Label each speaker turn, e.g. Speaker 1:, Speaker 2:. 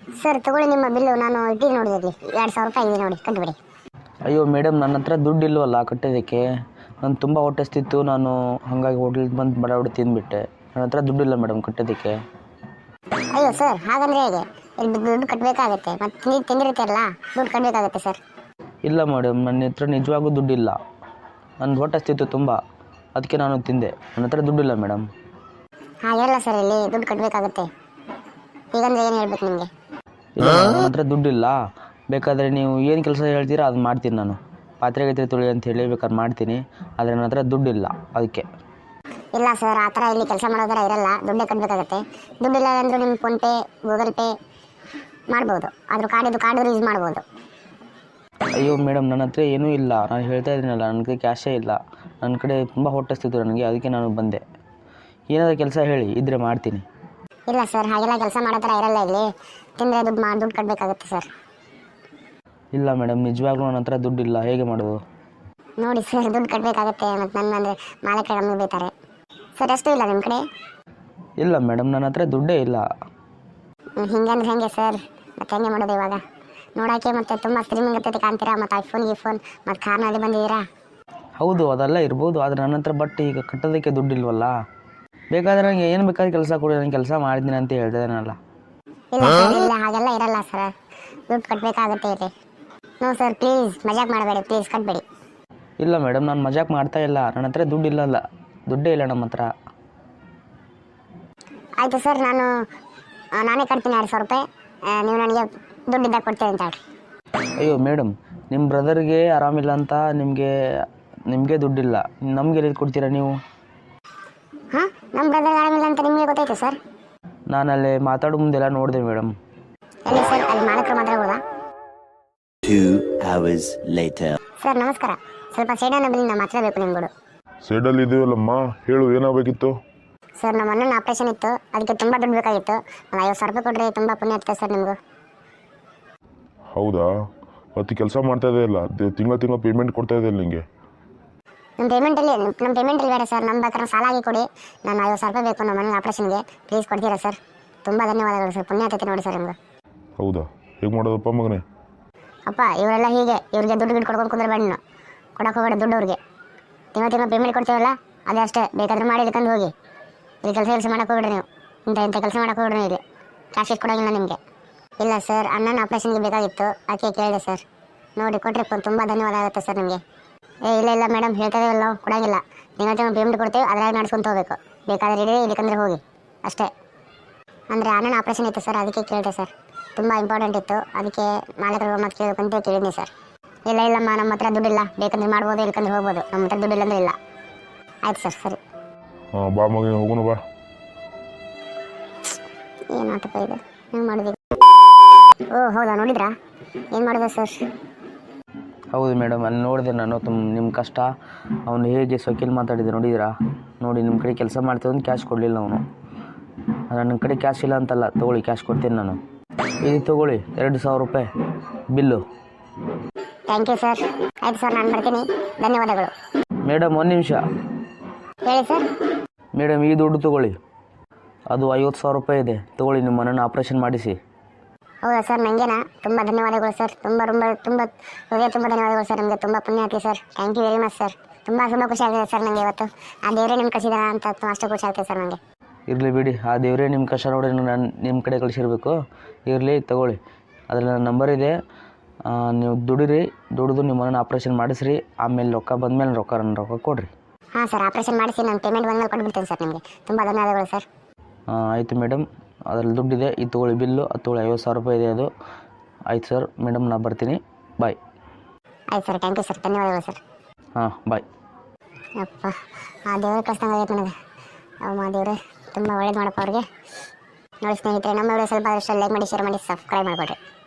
Speaker 1: Sir ತಗೊಳ್ಳಿ ನಿಮ್ಮ bill, ನಾನು ಇಟ್ಟಿಗೆ ನೋಡಿದ್ರಿ 2,000 ರೂಪಾಯಿ ಇದೆ ನೋಡಿ, ಕಟ್ಬಿಡಿ.
Speaker 2: ಅಯ್ಯೋ ಮೇಡಮ್, ನನ್ನ ಹತ್ರ ದುಡ್ಡು ಇಲ್ವಲ್ಲ ಕಟ್ಟೋದಕ್ಕೆ. ನಾನು ತುಂಬ ಹೊಟ್ಟೆ ಹಸ್ತಿತ್ತು, ನಾನು ಹಾಗಾಗಿ ಹೋಟ್ಲಿಗೆ ಬಂದು ಬಡ ತಿಂದುಬಿಟ್ಟೆ. ನನ್ನ ಹತ್ರ ದುಡ್ಡಿಲ್ಲ ಮೇಡಮ್ ಕಟ್ಟೋದಕ್ಕೆ.
Speaker 1: ಅಯ್ಯೋ ಸರ್, ಹಾಗಂದ್ರೆ ಹೇಗೆ? ಇಲ್ಲಿ ದುಡ್ಡು ಕಟ್ಟಬೇಕಾಗತ್ತೆ, ಮತ್ತು ನೀವು ತಿಂದಿರ್ತೀರಲ್ಲ, ದುಡ್ಡು ಕಟ್ಟಬೇಕಾಗತ್ತೆ ಸರ್.
Speaker 2: ಇಲ್ಲ ಮೇಡಮ್, ನನ್ನ ಹತ್ರ ನಿಜವಾಗೂ ದುಡ್ಡಿಲ್ಲ. ನನ್ನ ಹೊಟ್ಟೆ ಹಸ್ತಿತ್ತು ತುಂಬ, ಅದಕ್ಕೆ ನಾನು ತಿಂದೆ. ನನ್ನ ಹತ್ರ ದುಡ್ಡಿಲ್ಲ ಮೇಡಮ್.
Speaker 1: ಹಾಗೆಲ್ಲ ಸರ್, ಇಲ್ಲಿ ದುಡ್ಡು ಕಟ್ಟಬೇಕಾಗತ್ತೆ. ಈಗಂದ್ರೆ ಏನು ಹೇಳ್ಬೇಕು ನಿಮಗೆ?
Speaker 2: ಇಲ್ಲ ನನ್ನ ಹತ್ರ ದುಡ್ಡಿಲ್ಲ. ಬೇಕಾದರೆ ನೀವು ಏನು ಕೆಲಸ ಹೇಳ್ತೀರಾ ಅದು ಮಾಡ್ತೀನಿ. ನಾನು ಪಾತ್ರೆ ಗೀತ್ರೆ ತೊಳಿ ಅಂತ ಹೇಳಿ ಬೇಕಾದ್ರೆ ಮಾಡ್ತೀನಿ, ಆದರೆ ನನ್ನ ಹತ್ರ ದುಡ್ಡಿಲ್ಲ ಅದಕ್ಕೆ.
Speaker 1: ಇಲ್ಲ ಸರ್, ಆ ಥರ ಇಲ್ಲಿ ಕೆಲಸ ಮಾಡೋದರ ಇರಲ್ಲ, ದುಡ್ಡೇ ಕಟ್ಟಬೇಕಾಗತ್ತೆ. ದುಡ್ಡಿಲ್ಲ ಅಂದರೂ ನಿಮ್ಮ ಫೋನ್ಪೇ, ಗೂಗಲ್ ಪೇ ಮಾಡ್ಬೋದು, ಅದ್ರ ಕಾರ್ಡು ಯೂಸ್ ಮಾಡ್ಬೋದು.
Speaker 2: ಅಯ್ಯೋ ಮೇಡಮ್, ನನ್ನ ಹತ್ರ ಏನೂ ಇಲ್ಲ. ನಾನು ಹೇಳ್ತಾ ಇದ್ದೀನಲ್ಲ, ನನಗೆ ಕ್ಯಾಶೇ ಇಲ್ಲ. ನನ್ನ ಕಡೆ ತುಂಬ ಹೊಟ್ಟೆ ಹಸ್ತಿತ್ತು ನನಗೆ, ಅದಕ್ಕೆ ನಾನು ಬಂದೆ. ಏನಾದರೂ ಕೆಲಸ ಹೇಳಿ, ಇದ್ದರೆ ಮಾಡ್ತೀನಿ.
Speaker 1: ಇಲ್ಲ ಸರ್, ಹಾಗೆಲ್ಲ ಕೆಲಸ ಮಾಡೋ ಥರ ಇರಲ್ಲ ಇಲ್ಲಿ. ತಿಂದರೆ ದುಡ್ಡು ಕಟ್ಟಬೇಕಾಗುತ್ತೆ ಸರ್.
Speaker 2: ಇಲ್ಲ ಮೇಡಮ್, ನಿಜವಾಗ್ಲೂ ನನ್ನ ಹತ್ರ ದುಡ್ಡಿಲ್ಲ, ಹೇಗೆ ಮಾಡೋದು?
Speaker 1: ನೋಡಿ ಸರ್, ದುಡ್ಡು ಕಟ್ಟಬೇಕಾಗತ್ತೆ, ಮತ್ತು ನನ್ನ ಅಂದರೆ ಮಾಲೀಕರು ನಮಗೆ ಬೈತಾರೆ ಸರ್. ಎಷ್ಟು ಇಲ್ಲ ನಿಮ್ಮ ಕಡೆ?
Speaker 2: ಇಲ್ಲ ಮೇಡಮ್, ನನ್ನ ಹತ್ರ ದುಡ್ಡೇ ಇಲ್ಲ.
Speaker 1: ಹಿಂಗಂದ್ರೆ ಹೇಗೆ ಸರ್? ಮತ್ತೆ ಹೆಂಗೆ ಮಾಡೋದು ಇವಾಗ? ನೋಡೋಕ್ಕೆ ಮತ್ತು ತುಂಬ ಸ್ಟ್ರೀಮಿಂಗ್ ಇರ್ತೈತೆ ಕಾಣ್ತೀರಾ, ಮತ್ತು ಐಫೋನ್ ಮತ್ತು ಕಾರ್ನಲ್ಲಿ ಬಂದಿದ್ದೀರಾ.
Speaker 2: ಹೌದು, ಅದೆಲ್ಲ ಇರ್ಬೋದು, ಆದರೆ ನನ್ನ ಹತ್ರ ಬಟ್ ಈಗ ಕಟ್ಟೋದಕ್ಕೆ ದುಡ್ಡಿಲ್ವಲ್ಲ. ಬೇಕಾದರೆ ನನಗೆ ಏನು ಬೇಕಾದ್ರೆ ಕೆಲಸ ಕೊಡಿ, ನಾನು ಕೆಲಸ ಮಾಡಿದ್ದೀನಿ ಅಂತ ಹೇಳ್ತಿದ್ದೇನಲ್ಲ.
Speaker 1: ಇಲ್ಲ ಸರ್, ಇಲ್ಲ ಹಾಗೆಲ್ಲ ಇರಲ್ಲ ಸರ್, ದುಡ್ಡು ಕಟ್ಟಬೇಕಾಗುತ್ತೆ ಇಲ್ಲಿ. ನೋ ಸರ್, ಪ್ಲೀಸ್ ಮಜಾಕ್ ಮಾಡಬೇಡಿ, ಪ್ಲೀಸ್ ಕಟ್ಟಬೇಡಿ.
Speaker 2: ಇಲ್ಲ ಮೇಡಮ್, ನಾನು ಮಜಾಕ್ ಮಾಡ್ತಾ ಇಲ್ಲ. ನನ್ನ ಹತ್ರ ದುಡ್ಡಿಲ್ಲಲ್ಲ, ದುಡ್ಡೇ ಇಲ್ಲ ನಮ್ಮ ಹತ್ರ.
Speaker 1: ಆಯಿತು ಸರ್, ನಾನೇ ಕಟ್ತೀನಿ 2,000 ರೂಪಾಯಿ. ನೀವು ನನಗೆ ದುಡ್ಡಿದ್ದಾಗ ಕೊಡ್ತೀನಿ ಅಂತ ಹೇಳಿ.
Speaker 2: ಅಯ್ಯೋ ಮೇಡಮ್, ನಿಮ್ಮ ಬ್ರದರ್ಗೆ ಆರಾಮಿಲ್ಲ ಅಂತ ನಿಮಗೆ ದುಡ್ಡಿಲ್ಲ, ನಮಗೆ ಎಲ್ಲಿ ಕೊಡ್ತೀರಾ ನೀವು?
Speaker 1: ಹಾಂ, ನಮ್ಮ ಬ್ರದರ್ಗೆ ಆರಾಮಿಲ್ಲ ಅಂತ ನಿಮಗೆ ಗೊತ್ತಾಯ್ತು ಸರ್?
Speaker 2: ನಾನಲ್ಲಿ ಮಾತಾಡೋ ಮುಂದೆಲ್ಲ ನೋಡಿದೆ ಮೇಡಮ್.
Speaker 1: ಎಲ್ಲಿ ಸರ್? ಅಲ್ಲಿ ಮಾಲೀಕರು ಮಾತಾಡ್ಬೋದಾ?
Speaker 3: 2 hours later.
Speaker 1: ಸರ್ ನಮಸ್ಕಾರ, ಸ್ವಲ್ಪ ಸೈಡನ್ನ ಬಿಲ್ಲಿ ಮಾತಾಡಬೇಕು ನಿಮ್ಗಳು.
Speaker 4: ಸೈಡಲ್ಲಿ ಇದೆಯಲ್ಲಮ್ಮ, ಹೇಳು, ಏನಾಗಬೇಕಿತ್ತು?
Speaker 1: ಸರ್, ನಮ್ಮ ಅಣ್ಣನ ಆಪ್ರೇಷನ್ ಇತ್ತು, ಅದಕ್ಕೆ ತುಂಬ ದುಡ್ಡು ಬೇಕಾಗಿತ್ತು. ಒಂದು 50,000 ರೂಪಾಯಿ ಕೊಟ್ಟರೆ ತುಂಬ ಪುಣ್ಯ ಆಗ್ತದೆ ಸರ್ ನಿಮಗೂ.
Speaker 4: ಹೌದಾ? ಮತ್ತು ಕೆಲಸ ಮಾಡ್ತಾ ಇದೆಯಲ್ಲ, ತಿಂಗಳ ಪೇಮೆಂಟ್ ಕೊಡ್ತಾ ಇದೆಯಲ್ಲ ನಿಮಗೆ?
Speaker 1: ನಮ್ಮ ಪೇಮೆಂಟಲ್ಲಿ ಬೇಡ ಸರ್, ನಮ್ಮ ಬೇಕಾದ್ರೆ ಸಾಲ ಆಗಿ ಕೊಡಿ. ನಾನು 50,000 ರೂಪಾಯಿ ಬೇಕು ನಮ್ಮ ಮನೆ ಆಪ್ರೇಷನ್ಗೆ, ಪ್ಲೀಸ್ ಕೊಡ್ತೀರಾ ಸರ್? ತುಂಬ ಧನ್ಯವಾದಗಳು ಸರ್, ಪುಣ್ಯ ಆಗ್ತೈತೆ ನೋಡಿ ಸರ್ ನಿಮ್ಗೆ.
Speaker 4: ಹೌದಾ? ಹೇಗೆ ಮಾಡೋದಪ್ಪ ಮಗನೇ?
Speaker 1: ಅಪ್ಪ, ಇವರೆಲ್ಲ ಹೀಗೆ, ಇವ್ರಿಗೆ ದುಡ್ಡು ಕೊಡ್ಕೊಂಡು ಕುಂದ್ರೆ ಬೇಡ, ಕೊಡೋಕೆ ಹೋಗಬೇಡ ದುಡ್ಡು ಅವ್ರಿಗೆ. ತಿಂಗಳ ಪೇಮೆಂಟ್ ಕೊಡ್ತೀವಲ್ಲ, ಅದೇ ಅಷ್ಟೇ, ಬೇಕಾದ್ರೆ ಮಾಡಿ ಇಳ್ಕೊಂಡು ಹೋಗಿ. ಇಲ್ಲಿ ಕೆಲಸ ಮಾಡೋಕೆ ಹೋಗ್ಬಿಡ್ರಿ ನೀವು, ಇಂಥ ಕೆಲಸ ಮಾಡೋಕೆ ಹೋಗ್ಬಿಡ್ರಿ ಇಲ್ಲಿ. ಕ್ಯಾಶ್ ಇಟ್ಟು ಕೊಡೋಂಗಿಲ್ಲ ನಿಮಗೆ. ಇಲ್ಲ ಸರ್, ಅಣ್ಣನ ಆಪ್ರೇಷನ್ಗೆ ಬೇಕಾಗಿತ್ತು, ಅದಕ್ಕೆ ಕೇಳಿದೆ ಸರ್. ನೋಡಿ ಕೊಟ್ಟರೆ ತುಂಬ ಧನ್ಯವಾದ ಆಗುತ್ತೆ ಸರ್ ನಿಮಗೆ. ಇಲ್ಲ ಮೇಡಮ್, ಹೇಳ್ತಾ ಇದ್ದೀವಲ್ಲ, ನಾವು ಕೊಡೋಂಗಿಲ್ಲ. ತಿಂಗಳ ಪೇಮೆಂಟ್ ಕೊಡ್ತೀವಿ, ಅದರಾಗ ನಡ್ಸ್ಕೊಂತ ಹೋಗಬೇಕು. ಬೇಕಾದ್ರೆ ಇಡೀ ಇಲ್ಲಿಕಂದ್ರೆ ಹೋಗಿ ಅಷ್ಟೇ. ಅಂದರೆ ಅಣ್ಣನ ಆಪ್ರೇಷನ್ ಇತ್ತು ಸರ್, ಅದಕ್ಕೆ ಕೇಳಿದೆ ಸರ್. ತುಂಬ ಇಂಪಾರ್ಟೆಂಟ್ ಇತ್ತು, ಅದಕ್ಕೆ ಮಾಲೀಕರು ಮತ್ತೆ ಕೇಳಬೇಕಂತ ಕೇಳಿದ್ನಿ ಸರ್. ಇಲ್ಲಮ್ಮ, ನಮ್ಮ ಹತ್ರ ದುಡ್ಡಿಲ್ಲ, ಬೇಕಂದ್ರೆ ಮಾಡ್ಬೋದು, ಇಲ್ಕಂದ್ರೆ ಹೋಗ್ಬೋದು. ನಮ್ಮ ಹತ್ರ ದುಡ್ಡಿಲ್ಲ ಅಂದರೆ ಇಲ್ಲ. ಆಯ್ತು ಸರ್, ಸರಿ.
Speaker 4: ಹಾಂ, ಬಾ ಮಗನೇ, ಹೋಗೋಣ ಬಾ.
Speaker 1: ಏನು ನಾಟಕ ಇದೆ, ಹೆಂಗೆ ಮಾಡಿದ್ವಿ? ಓ ಹೌದಾ, ನೋಡಿದ್ರಾ? ಏನು ಮಾಡಿದೆ ಸರ್?
Speaker 2: ಹೌದು ಮೇಡಮ್, ಅಲ್ಲಿ ನೋಡಿದೆ ನಾನು ನಿಮ್ಮ ಕಷ್ಟ. ಅವನು ಹೇಗೆ ಸೊಕೇಲಿ ಮಾತಾಡಿದೆ ನೋಡಿದ್ರಾ? ನೋಡಿ, ನಿಮ್ಮ ಕಡೆ ಕೆಲಸ ಮಾಡ್ತೀವಿ, ಕ್ಯಾಶ್ ಕೊಡಲಿಲ್ಲ ಅವನು. ನನ್ನ ಕಡೆ ಕ್ಯಾಶ್ ಇಲ್ಲ ಅಂತಲ್ಲ, ತೊಗೊಳ್ಳಿ, ಕ್ಯಾಶ್ ಕೊಡ್ತೀನಿ ನಾನು. ಇದು ತೊಗೊಳ್ಳಿ, 2,000 ರೂಪಾಯಿ ಬಿಲ್ಲು.
Speaker 1: Thank you sir. ಆಯ್ತು ಸರ್, ನಾನು ಬರ್ತೀನಿ, ಧನ್ಯವಾದಗಳು.
Speaker 2: ಮೇಡಮ್, ಒಂದು ನಿಮಿಷ.
Speaker 1: ಹೇಳಿ ಸರ್.
Speaker 2: ಮೇಡಮ್, ಈ ದುಡ್ಡು ತೊಗೊಳ್ಳಿ, ಅದು 50,000 ರೂಪಾಯಿ ಇದೆ, ತೊಗೊಳ್ಳಿ, ನಿಮ್ಮ ಮನೆಯನ್ನು ಆಪ್ರೇಷನ್ ಮಾಡಿಸಿ.
Speaker 1: ಹೌದಾ ಸರ್? ನನಗೇನಾ? ತುಂಬ ಧನ್ಯವಾದಗಳು ಸರ್, ತುಂಬ ಧನ್ಯವಾದಗಳು ಸರ್, ನಿಮಗೆ ತುಂಬ ಪುಣ್ಯ ಆಗ್ತೀವಿ sir. Thank you very much sir. ತುಂಬ ಖುಷಿ ಆಗಿದೆ ಸರ್ ನನಗೆ ಇವತ್ತು. ಆ ದೇವರೇ ನಿಮ್ಗೆ ಕಳಿಸಿದಾರ ಅಂತ ಅಷ್ಟು ಖುಷಿ ಆಗ್ತದೆ ಸರ್ ನನಗೆ.
Speaker 2: ಇರಲಿ ಬಿಡಿ, ಆ ದೇವರೇ ನಿಮ್ಮ ಕಷ್ಟ ನೋಡಿ ನಾನು ನಿಮ್ಮ ಕಡೆ ಕಳಿಸಿರ್ಬೇಕು. ಇರಲಿ, ತೊಗೊಳ್ಳಿ, ಅದರಲ್ಲಿ ನನ್ನ ನಂಬರ್ ಇದೆ. ನೀವು ದುಡಿದು ನಿಮ್ಮ ಮನೆಯನ್ನು ಆಪ್ರೇಷನ್ ಮಾಡಿಸ್ರಿ. ಆಮೇಲೆ ರೊಕ್ಕ ಬಂದಮೇಲೆ ರೊಕ್ಕ ಕೊಡಿರಿ.
Speaker 1: ಹಾಂ ಸರ್, ಆಪ್ರೇಷನ್ ಮಾಡಿಸಿ ನಾನು ಪೇಮೆಂಟ್ ಬಂದಮೇಲೆ ಕೊಟ್ಬಿಡ್ತೀನಿ ಸರ್ ನಿಮಗೆ. ತುಂಬ ಧನ್ಯವಾದಗಳು ಸರ್.
Speaker 2: ಆಯಿತು ಮೇಡಮ್, ಅದರಲ್ಲಿ ದುಡ್ಡಿದೆ, ಇದು ತೊಗೊಳ್ಳಿ ಬಿಲ್ಲು, ಅದು ತೊಗೊಳ್ಳಿ, 50,000 ರೂಪಾಯಿ ಇದೆ ಅದು. ಆಯ್ತು ಸರ್ ಮೇಡಮ್, ನಾನು ಬರ್ತೀನಿ, ಬಾಯ್.
Speaker 1: ಆಯ್ತು ಸರ್, ಥ್ಯಾಂಕ್ ಯು ಸರ್, ಧನ್ಯವಾದಗಳು ಸರ್.
Speaker 2: ಹಾಂ, ಬಾಯ್.
Speaker 1: ಅಪ್ಪ, ಆ ದೇವ್ರ ಕಷ್ಟಂಗೆ ಆಗೈತೆ ನನಗೆ. ಅಮ್ಮ ದೇವ್ರೆ, ತುಂಬ ಒಳ್ಳೇದು ಮಾಡಪ್ಪ ಅವ್ರಿಗೆ. ನೋಡಿ ಸ್ನೇಹಿತರೆ, ನಮ್ಮ ವಿಡಿಯೋ ಸ್ವಲ್ಪ ಲೈಕ್ ಮಾಡಿ, ಶೇರ್ ಮಾಡಿ, ಸಬ್ಸ್ಕ್ರೈಬ್ ಮಾಡಿಕೊಡ್ರಿ.